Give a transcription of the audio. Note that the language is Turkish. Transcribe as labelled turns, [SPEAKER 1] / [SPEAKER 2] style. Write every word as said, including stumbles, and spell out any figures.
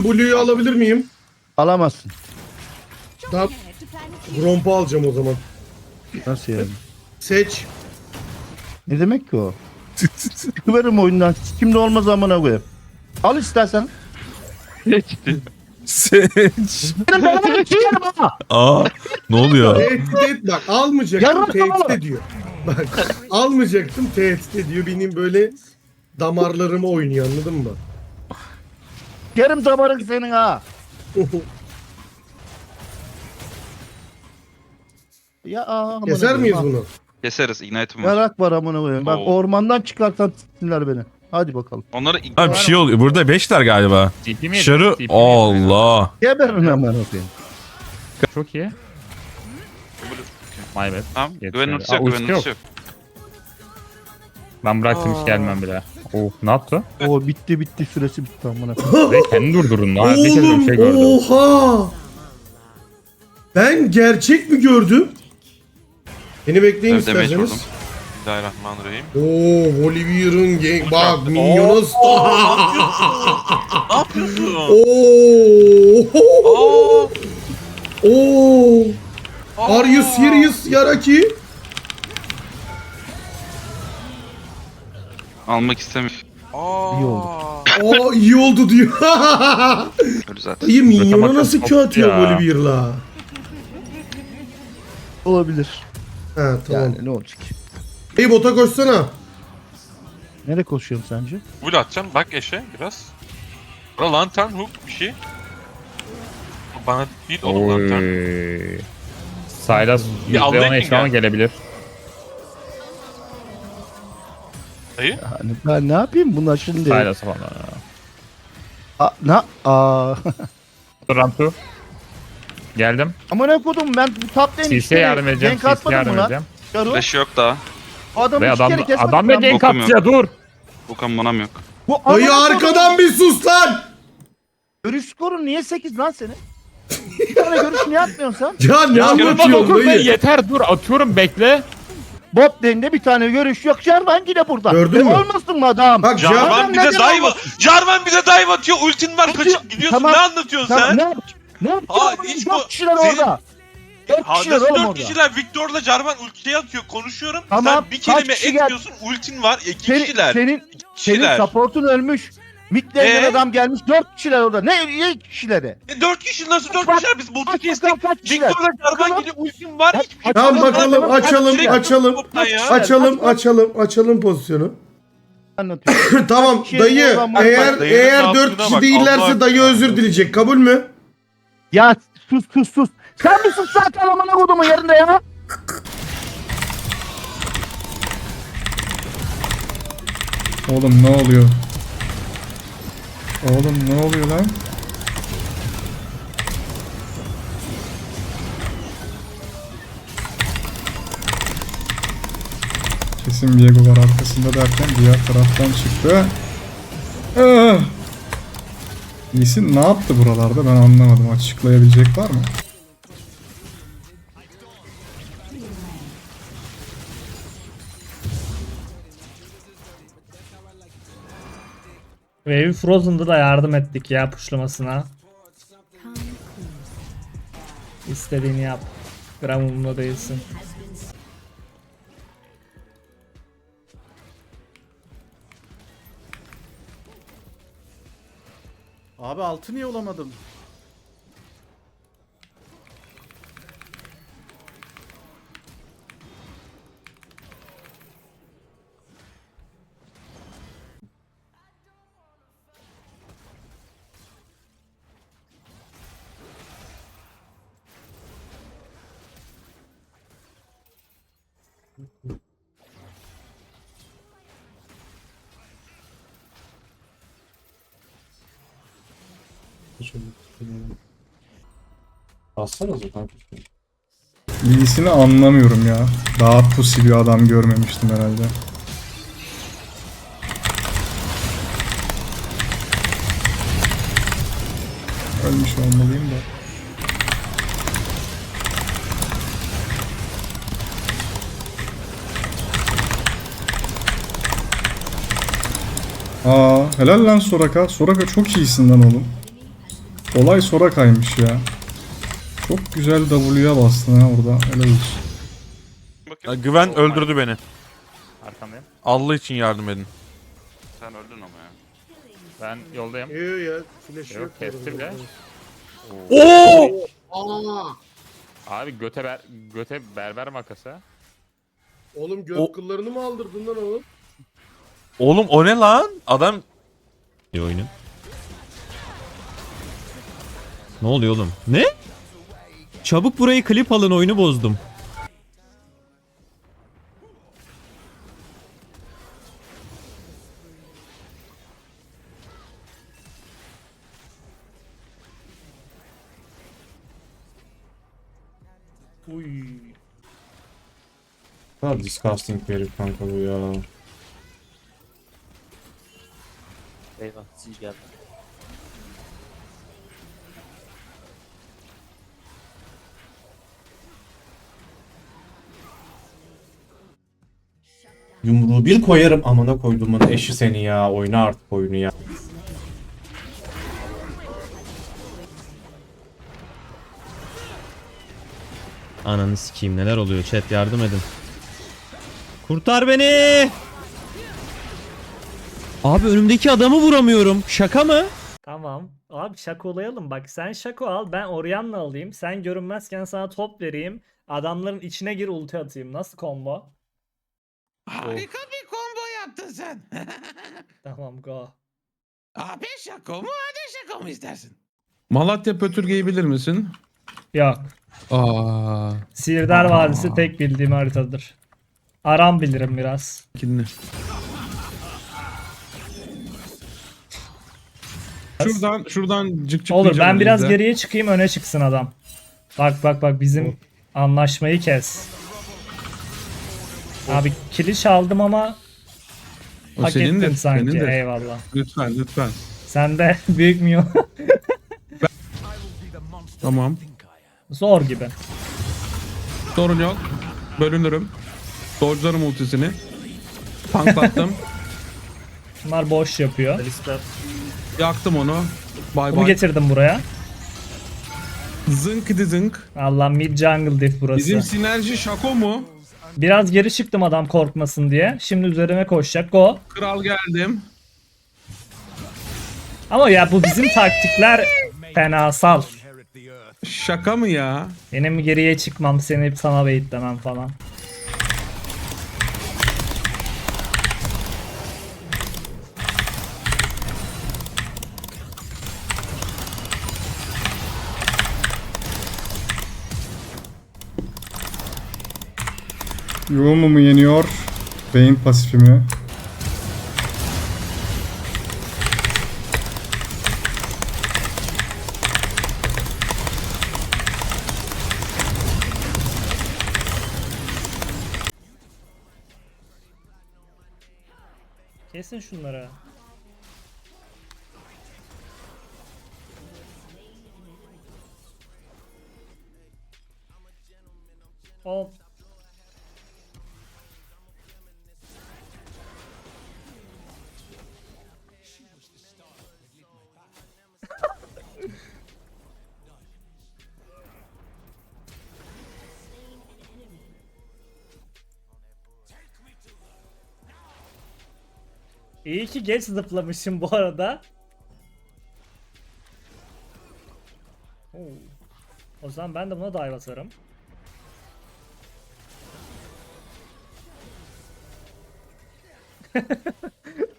[SPEAKER 1] Blue'yu alabilir miyim?
[SPEAKER 2] Alamazsın.
[SPEAKER 1] Tamam. Gromp'u alacağım o zaman.
[SPEAKER 2] Nasıl yani?
[SPEAKER 1] Seç.
[SPEAKER 2] Ne demek ki o? Çıkıverim oyundan. Kimde olmaz amına koyayım. Al istersen.
[SPEAKER 3] Seçti.
[SPEAKER 4] Seç.
[SPEAKER 2] Benim belanı sikerim ha.
[SPEAKER 4] Aa, ne oluyor?
[SPEAKER 1] Tehdit et bak. Almayacaktım.
[SPEAKER 2] Yarın
[SPEAKER 1] Tehdit
[SPEAKER 2] tamam.
[SPEAKER 1] ediyor. Bak. Almayacaktım. Tehdit ediyor. Benim böyle damarlarıma oynuyor, anladın mı?
[SPEAKER 2] Kerim damarın senin ha. Ya amına
[SPEAKER 1] Keser
[SPEAKER 2] koyayım,
[SPEAKER 1] miyiz
[SPEAKER 2] ha.
[SPEAKER 1] bunu?
[SPEAKER 3] Keseriz. Ignite'ım var.
[SPEAKER 2] Yarak var amına koyayım. Bak
[SPEAKER 3] Oo.
[SPEAKER 2] ormandan çıkartan s**tinler beni. Hadi bakalım.
[SPEAKER 3] Onları
[SPEAKER 4] Ha, bir şey oluyor. Burada beşler galiba.
[SPEAKER 5] T P mi yedin?
[SPEAKER 4] Şarı.
[SPEAKER 5] T P mi yedin?
[SPEAKER 4] Allah.
[SPEAKER 2] Geberin amına koyayım.
[SPEAKER 5] Çok iyi. My bad.
[SPEAKER 3] Tamam.
[SPEAKER 5] Yetişmedi.
[SPEAKER 3] Güven ultisi
[SPEAKER 5] Aa,
[SPEAKER 3] yok.
[SPEAKER 5] ultisi
[SPEAKER 3] Güven ultisi yok.
[SPEAKER 5] Ben bıraktım hiç gelmem bile. Oh, ne yaptı?
[SPEAKER 2] O bitti bitti süresi bitti amına koyayım.
[SPEAKER 5] Ve kendi durdurun. Ha, bir kez bir
[SPEAKER 1] Oğlum
[SPEAKER 5] şey gördüm.
[SPEAKER 1] oha. Ben gerçek mi gördüm? Beni bekleyin
[SPEAKER 3] Evet, damage vurdum.
[SPEAKER 1] isterseniz.
[SPEAKER 6] Bismillahirrahmanirrahim.
[SPEAKER 1] Oo, Oliver'ın gang bak
[SPEAKER 6] Oo,
[SPEAKER 1] minyona
[SPEAKER 6] Ne yapıyorsun?
[SPEAKER 1] Oo.
[SPEAKER 6] Aa,
[SPEAKER 1] Oo.
[SPEAKER 6] aa.
[SPEAKER 1] Are you serious Yaraki?
[SPEAKER 3] Almak istemiyorum.
[SPEAKER 6] Aa.
[SPEAKER 2] İyi oldu.
[SPEAKER 1] Aa iyi oldu diyor.
[SPEAKER 3] Öyle zaten.
[SPEAKER 1] Dayı minyona
[SPEAKER 5] Bırakamadım,
[SPEAKER 1] nasıl
[SPEAKER 5] çok
[SPEAKER 1] Q atıyor
[SPEAKER 5] ya.
[SPEAKER 1] Oliver'la?
[SPEAKER 2] Olabilir.
[SPEAKER 1] Ha tamam.
[SPEAKER 2] Yani ne olacak?
[SPEAKER 1] Dayı bota koşsana.
[SPEAKER 2] Nereye koşuyorsun sence?
[SPEAKER 6] Bul atacağım. Bak eşe biraz. Bura lantern hook bir şey. Bana değil oğlum lantern.
[SPEAKER 5] Oy. Sylas
[SPEAKER 6] Bir aldı
[SPEAKER 5] yüzde on
[SPEAKER 6] ekin
[SPEAKER 5] eşyama
[SPEAKER 6] gel.
[SPEAKER 5] gelebilir.
[SPEAKER 6] Dayı.
[SPEAKER 2] Yani ben ne yapayım bunlar şimdi?
[SPEAKER 5] Sylas falan.
[SPEAKER 2] A, na, aa.
[SPEAKER 5] Dur Ramtu. Geldim.
[SPEAKER 2] Ama ne kodum ben bu top lane
[SPEAKER 5] C C'ye yardım edeceğim.
[SPEAKER 2] Gank
[SPEAKER 5] C C'ye
[SPEAKER 2] atmadım
[SPEAKER 5] yardım
[SPEAKER 2] mı lan?
[SPEAKER 5] edeceğim.
[SPEAKER 2] Şaru.
[SPEAKER 3] Flash yok daha.
[SPEAKER 2] Adamı
[SPEAKER 5] Ve
[SPEAKER 2] iki
[SPEAKER 5] adam,
[SPEAKER 2] kere kesmedim
[SPEAKER 5] adam da
[SPEAKER 2] ben.
[SPEAKER 5] gank
[SPEAKER 3] Bokum
[SPEAKER 5] attı ya dur.
[SPEAKER 3] Bu kammonam yok.
[SPEAKER 2] Bu
[SPEAKER 1] Dayı
[SPEAKER 2] amına
[SPEAKER 1] arkadan bir sus lan.
[SPEAKER 2] Görüş skorun niye sekiz lan senin? Bir tane görüş niye atmıyorsun sen?
[SPEAKER 1] Ya ne
[SPEAKER 5] Ya
[SPEAKER 1] anlatıyorsun
[SPEAKER 5] dokuz be,
[SPEAKER 1] dayı?
[SPEAKER 5] yeter dur atıyorum bekle.
[SPEAKER 2] Bot lane'de bir tane görüş yok. Jarvan yine burada.
[SPEAKER 1] Gördün
[SPEAKER 2] e,
[SPEAKER 1] mü?
[SPEAKER 2] Olmasın mı adam?
[SPEAKER 1] Bak
[SPEAKER 2] Jarvan
[SPEAKER 6] Jarvan bize
[SPEAKER 2] neden
[SPEAKER 6] dive
[SPEAKER 2] olmasın?
[SPEAKER 6] Jarvan bize dive atıyor. Ultin var kaçıp gidiyorsun.
[SPEAKER 2] Tamam.
[SPEAKER 6] Ne anlatıyorsun
[SPEAKER 2] Tamam,
[SPEAKER 6] sen?
[SPEAKER 2] ne yap? Ne
[SPEAKER 6] Aa,
[SPEAKER 2] yapıyorsun?
[SPEAKER 6] hiç
[SPEAKER 2] Dört
[SPEAKER 6] bu-
[SPEAKER 2] kişiler
[SPEAKER 6] senin-
[SPEAKER 2] orada. Dört
[SPEAKER 6] Ha,
[SPEAKER 2] kişiler
[SPEAKER 6] nasıl
[SPEAKER 2] oğlum
[SPEAKER 6] dört
[SPEAKER 2] orada.
[SPEAKER 6] kişiler? Victor'la Jarvan ultiye atıyor. Konuşuyorum.
[SPEAKER 2] Tamam,
[SPEAKER 6] Sen bir
[SPEAKER 2] kaç
[SPEAKER 6] kelime
[SPEAKER 2] kişi geldi?
[SPEAKER 6] etmiyorsun. Ultin var. İki
[SPEAKER 2] Senin,
[SPEAKER 6] kişiler.
[SPEAKER 2] senin,
[SPEAKER 6] İki
[SPEAKER 2] senin
[SPEAKER 6] kişiler.
[SPEAKER 2] supportun ölmüş. Mid lane'den
[SPEAKER 6] Ee?
[SPEAKER 2] adam gelmiş. Dört kişiler orada. Ne? Ne kişileri?
[SPEAKER 6] E, dört kişi nasıl dört
[SPEAKER 2] Bak,
[SPEAKER 6] kişiler? Biz botu
[SPEAKER 2] bak
[SPEAKER 6] kestik.
[SPEAKER 2] bakalım kaç kişiler.
[SPEAKER 6] Victor'la Jarvan
[SPEAKER 2] Bakalım.
[SPEAKER 6] gibi ultim var.
[SPEAKER 2] Bak,
[SPEAKER 6] Hiçbir şey
[SPEAKER 1] Tamam
[SPEAKER 6] yapamaz.
[SPEAKER 1] bakalım
[SPEAKER 2] Kaç
[SPEAKER 1] açalım
[SPEAKER 6] kişiler?
[SPEAKER 1] açalım.
[SPEAKER 6] Toptan ya.
[SPEAKER 1] Açalım açalım açalım pozisyonu.
[SPEAKER 2] Anlatıyorum.
[SPEAKER 1] Tamam
[SPEAKER 2] Şey,
[SPEAKER 1] dayı
[SPEAKER 2] oradan bak,
[SPEAKER 1] eğer
[SPEAKER 6] bak, dayının
[SPEAKER 1] eğer
[SPEAKER 6] ne
[SPEAKER 1] dört
[SPEAKER 6] yaptığına
[SPEAKER 1] kişi
[SPEAKER 6] bak,
[SPEAKER 1] değillerse
[SPEAKER 6] Allah
[SPEAKER 1] dayı
[SPEAKER 6] aşkına.
[SPEAKER 1] özür dileyecek, kabul mü?
[SPEAKER 2] Ya sus sus sus. Sen bir sus zaten amına kodumun yerinde ya.
[SPEAKER 4] Oğlum ne oluyor? Oğlum ne oluyor lan? Kesin Viego var arkasında derken diğer taraftan çıktı. Ah! Lee ne yaptı buralarda ben anlamadım. Açıklayabilecek var mı?
[SPEAKER 7] Wave'i Frozen'da da yardım ettik ya pushlamasına. İstediğini yap. Gram umurumda değilsin.
[SPEAKER 8] Abi altı niye olamadım?
[SPEAKER 4] Lee'sini anlamıyorum ya. Daha pussy bir adam görmemiştim herhalde. Ölmüş olmalıyım da. Aa, helal lan Soraka. Soraka çok iyisin lan oğlum. Olay sonra kaymış ya. Çok güzel W'ya bastın ha orada. Helal olsun.
[SPEAKER 9] Ya,
[SPEAKER 3] Bakayım.
[SPEAKER 9] güven öldürdü beni.
[SPEAKER 5] Arkandayım.
[SPEAKER 9] Allah için yardım edin.
[SPEAKER 3] Sen öldün ama ya.
[SPEAKER 5] Ben yoldayım.
[SPEAKER 1] Yok ya. Flash
[SPEAKER 5] Yok,
[SPEAKER 1] yok.
[SPEAKER 5] kesti bile.
[SPEAKER 9] Oo!
[SPEAKER 1] Aa!
[SPEAKER 5] Abi göte ber göte berber makası.
[SPEAKER 1] Oğlum göt
[SPEAKER 9] O-
[SPEAKER 1] kıllarını mı aldırdın lan oğlum?
[SPEAKER 9] Oğlum o ne lan? Adam
[SPEAKER 10] İyi oyunun. Ne oluyor oğlum? Ne? Çabuk burayı klip alın, oyunu bozdum.
[SPEAKER 7] Uy.
[SPEAKER 8] kadar disgusting bir herif kanka bu ya.
[SPEAKER 11] Eyvah siz geldi.
[SPEAKER 8] Yumruğu bir koyarım amına koyduğumun eşi seni ya. Oyna artık oyunu ya.
[SPEAKER 10] Ananı sikeyim, neler oluyor chat, yardım edin. Kurtar beni. Abi önümdeki adamı vuramıyorum. Şaka mı?
[SPEAKER 7] Tamam. Abi şakolayalım. Bak sen şako al. Ben Orianna alayım. Sen görünmezken sana top vereyim. Adamların içine gir, ulti atayım. Nasıl combo?
[SPEAKER 6] Harika bir combo yaptın sen.
[SPEAKER 7] Tamam go.
[SPEAKER 6] Abi şako mu hadi şako mu istersin?
[SPEAKER 4] Malatya Pötürge'yi bilir misin?
[SPEAKER 7] Yok.
[SPEAKER 4] Aa,
[SPEAKER 7] Sihirdar Vadisi tek bildiğim haritadır. Aram bilirim biraz.
[SPEAKER 4] kinli. Şuradan şuradan cık cık
[SPEAKER 7] Olur ben biraz geriye çıkayım, öne çıksın adam. Bak bak bak bizim anlaşmayı kes. Abi kili çaldım ama
[SPEAKER 4] O
[SPEAKER 7] hak
[SPEAKER 4] senindir,
[SPEAKER 7] ettim sanki.
[SPEAKER 4] senindir.
[SPEAKER 7] Eyvallah.
[SPEAKER 4] Lütfen lütfen.
[SPEAKER 7] Sen de büyük mü?
[SPEAKER 4] Tamam.
[SPEAKER 7] Zor gibi.
[SPEAKER 4] Sorun yok. Bölünürüm. Dodge'larım ultisini. Tanklattım.
[SPEAKER 7] Bunlar boş yapıyor.
[SPEAKER 4] Yaktım onu. Bay
[SPEAKER 7] Bunu
[SPEAKER 4] bay.
[SPEAKER 7] getirdim buraya.
[SPEAKER 4] Zınk idi zınk.
[SPEAKER 7] Allah mid jungle diff burası.
[SPEAKER 4] Bizim sinerji şako mu?
[SPEAKER 7] Biraz geri çıktım adam korkmasın diye. Şimdi üzerime koşacak. Go.
[SPEAKER 4] Kral geldim.
[SPEAKER 7] Ama ya bu bizim taktikler fenasal.
[SPEAKER 4] Şaka mı ya?
[SPEAKER 7] Benim geriye çıkmam, seni sana baitlemem falan.
[SPEAKER 4] Yoğumu mu yeniyor? Beyin pasifi mi?
[SPEAKER 7] Kesin şunları. Hop. İyi ki geç zıplamışım bu arada. Oo. O zaman ben de buna dive atarım.